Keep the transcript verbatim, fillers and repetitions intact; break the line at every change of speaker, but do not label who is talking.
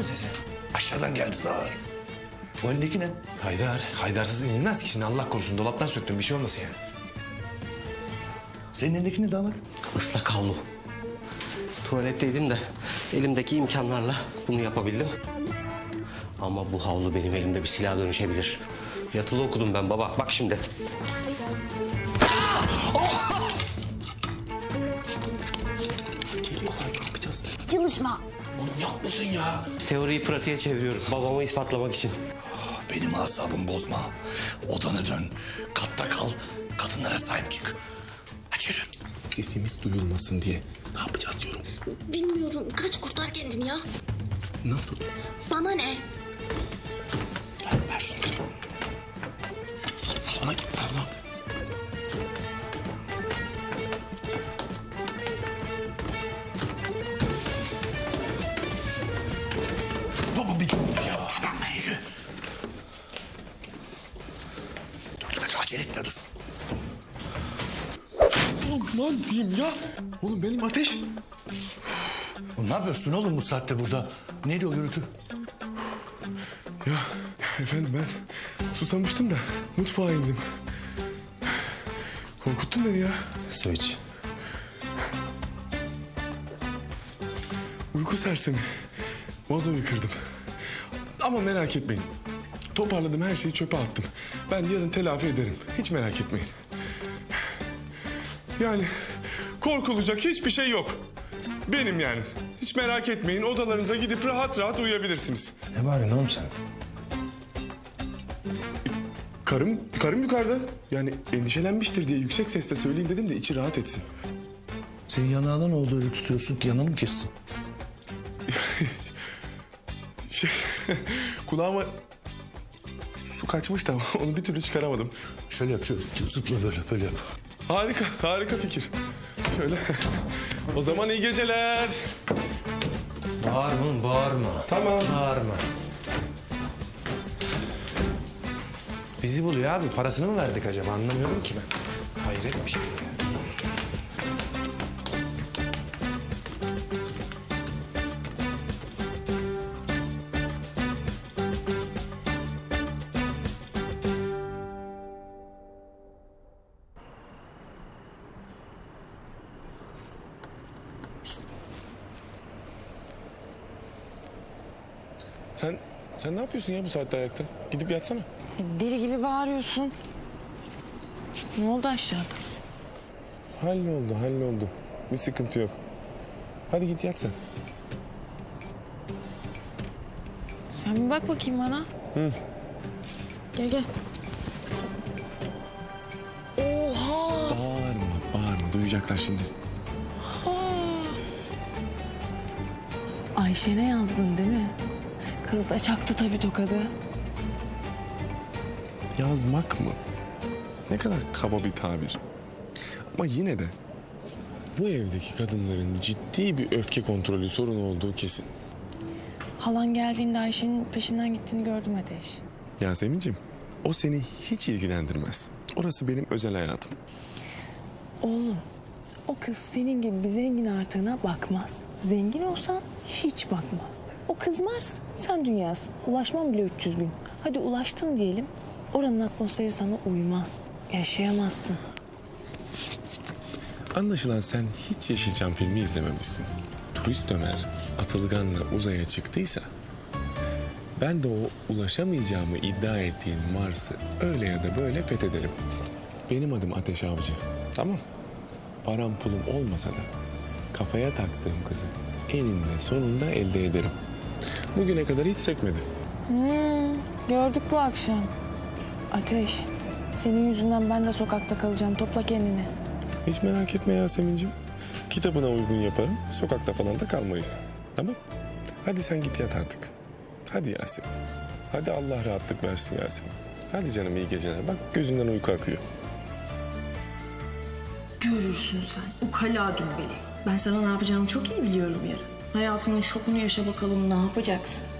sesi?
Aşağıdan geldi zar. Bu elindeki ne?
Haydar, Haydarsız inilmez ki. Şimdi Allah korusun dolaptan söktüm bir şey olmasın yani.
Senin elindeki ne damat?
Islak havlu. Tuvaletteydim de elimdeki imkanlarla bunu yapabildim. Ama bu havlu benim elimde bir silaha dönüşebilir. Yatılı okudum ben baba. Bak şimdi.
Çalışma.
Manyak mısın ya?
Teoriyi pratiğe çeviriyorum. Babamı ispatlamak için.
Benim asabımı bozma. Odana dön. Katta kal. Kadınlara sahip çık. Hadi yürü.
Sesimiz duyulmasın diye. Ne yapacağız diyorum.
Bilmiyorum. Kaç kurtar kendini ya.
Nasıl?
Bana ne?
Ver, ver şunu. Salona git salona.
Baba bir dur ya. Tamam lan yürü. Dur dur dur acele etme dur.
Oğlum lan diyeyim ya. Oğlum benim ateş.
Oğlum ne yapıyorsun oğlum bu saatte burada? Neydi o gürültü?
Ya efendim ben susamıştım da mutfağa indim. Korkuttun beni ya.
Su iç.
Uyku sersemi. Vazoyu kırdım. Ama merak etmeyin. Toparladım her şeyi çöpe attım. Ben yarın telafi ederim. Hiç merak etmeyin. Yani korkulacak hiçbir şey yok. Benim yani. Hiç merak etmeyin. Odalarınıza gidip rahat rahat uyuyabilirsiniz.
Ne bağırıyorsun oğlum sen?
Karım, karım yukarıda. Yani endişelenmiştir diye yüksek sesle söyleyeyim dedim de içi rahat etsin.
Senin yanağına ne oldu öyle tutuyorsun ki yanağını mı kestin?
Şey, kulağıma su kaçmış da onu bir türlü çıkaramadım.
Şöyle yap şöyle zıpla böyle böyle yap.
Harika, harika fikir. Şöyle. O zaman iyi geceler.
Bağırma oğlum bağırma.
Tamam.
Bağırma. Bizi buluyor abi. Parasını mı verdik acaba? Anlamıyorum ki ben. Hayret bir şey ya.
Sen, sen ne yapıyorsun ya bu saatte ayakta? Gidip yatsana.
Deli gibi bağırıyorsun. Ne oldu aşağıda?
Halloldu, halloldu. Bir sıkıntı yok. Hadi git yat sen.
Sen bir bak bakayım bana.
Hı.
Gel gel. Oha!
Bağırma, bağırma. Duyacaklar şimdi.
Ayşe'ne yazdın değil mi? Kız da çaktı tabii tokadı.
Yazmak mı? Ne kadar kaba bir tabir. Ama yine de bu evdeki kadınların ciddi bir öfke kontrolü sorunu olduğu kesin.
Halan geldiğinde Ayşe'nin peşinden gittiğini gördüm Ateş.
Yasemin'ciğim, o seni hiç ilgilendirmez. Orası benim özel hayatım.
Oğlum, o kız senin gibi bir zengin artığına bakmaz. Zengin olsan hiç bakmaz. O kız Mars, sen dünyasın. Ulaşman bile üç yüz gün. Hadi ulaştın diyelim, oranın atmosferi sana uymaz. Yaşayamazsın.
Anlaşılan sen hiç Yeşilçam filmi izlememişsin. Turist Ömer Atılgan'la uzaya çıktıysa ben de o ulaşamayacağımı iddia ettiğin Mars'ı öyle ya da böyle fethederim. Benim adım Ateş Avcı. Tamam. Param pulum olmasa da kafaya taktığım kızı eninde sonunda elde ederim. Bugüne kadar hiç sekmedi.
Hmm, gördük bu akşam. Ateş, senin yüzünden ben de sokakta kalacağım. Topla kendini.
Hiç merak etme Yasemin'ciğim. Kitabına uygun yaparım. Sokakta falan da kalmayız. Tamam. Hadi sen git yat artık. Hadi Yasemin. Hadi Allah rahatlık versin Yasemin. Hadi canım iyi geceler. Bak gözünden uyku akıyor.
Görürsün sen. O kala dümbeleyi. Ben sana ne yapacağımı çok iyi biliyorum yarın. Hayatının şokunu yaşa bakalım, ne yapacaksın?